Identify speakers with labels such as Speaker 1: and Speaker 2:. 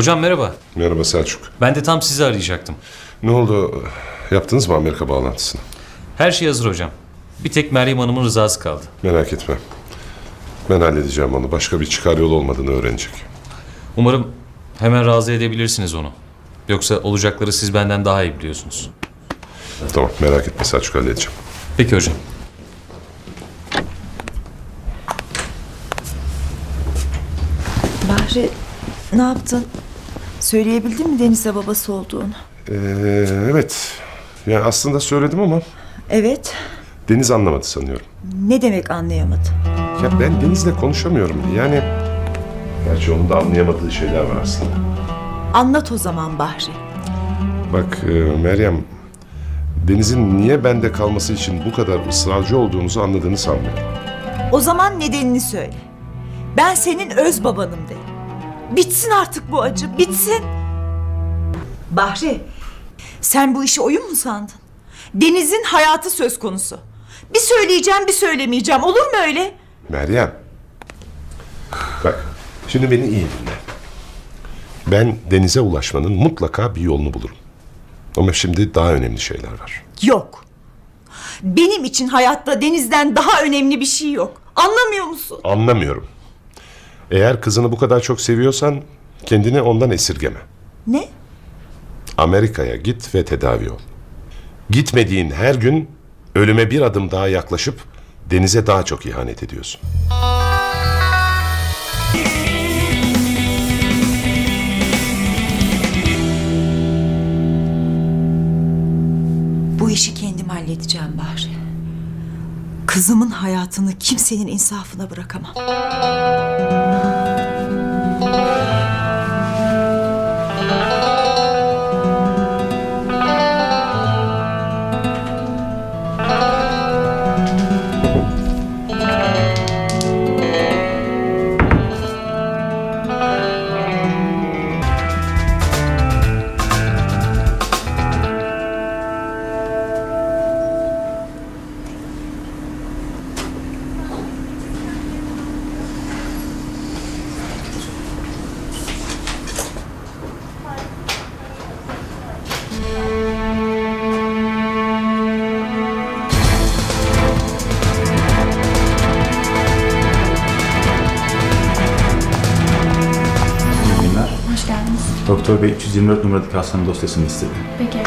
Speaker 1: Hocam merhaba.
Speaker 2: Merhaba Selçuk.
Speaker 1: Ben de tam sizi arayacaktım.
Speaker 2: Ne oldu? Yaptınız mı Amerika bağlantısını?
Speaker 1: Her şey hazır hocam. Bir tek Meryem Hanım'ın rızası kaldı.
Speaker 2: Merak etme. Ben halledeceğim onu. Başka bir çıkar yolu olmadığını öğrenecek.
Speaker 1: Umarım hemen razı edebilirsiniz onu. Yoksa olacakları siz benden daha iyi biliyorsunuz.
Speaker 2: Tamam, merak etme Selçuk, halledeceğim.
Speaker 1: Peki hocam.
Speaker 3: Bahri, ne yaptın? Söyleyebildin mi Deniz'e babası olduğunu?
Speaker 2: Evet. Yani aslında söyledim ama
Speaker 3: Evet.
Speaker 2: Deniz anlamadı sanıyorum.
Speaker 3: Ne demek anlayamadım?
Speaker 2: Ya ben Deniz'le konuşamıyorum. Yani... Gerçi onun da anlayamadığı şeyler var aslında.
Speaker 3: Anlat o zaman Bahri.
Speaker 2: Bak Meryem... Deniz'in niye bende kalması için bu kadar ısrarcı olduğunuzu anladığını sanmıyorum.
Speaker 3: O zaman nedenini söyle. Ben senin öz babanım de. Bitsin artık bu acı, bitsin. Bahri, sen bu işi oyun mu sandın? Deniz'in hayatı söz konusu. Bir söyleyeceğim, bir söylemeyeceğim. Olur mu öyle?
Speaker 2: Meryem... Bak, şimdi beni iyi dinle. Ben Deniz'e ulaşmanın mutlaka bir yolunu bulurum. Ama şimdi daha önemli şeyler var.
Speaker 3: Yok. Benim için hayatta Deniz'den daha önemli bir şey yok. Anlamıyor musun?
Speaker 2: Anlamıyorum. Eğer kızını bu kadar çok seviyorsan kendini ondan esirgeme.
Speaker 3: Ne?
Speaker 2: Amerika'ya git ve tedavi ol. Gitmediğin her gün ölüme bir adım daha yaklaşıp Deniz'e daha çok ihanet ediyorsun.
Speaker 3: Bu işi kendim halledeceğim Bahri. Kızımın hayatını kimsenin insafına bırakamam.
Speaker 4: İyi günler.
Speaker 5: Hoş geldiniz.
Speaker 4: Doktor Bey 324 numaradaki hastanın dosyasını istedi.
Speaker 5: Peki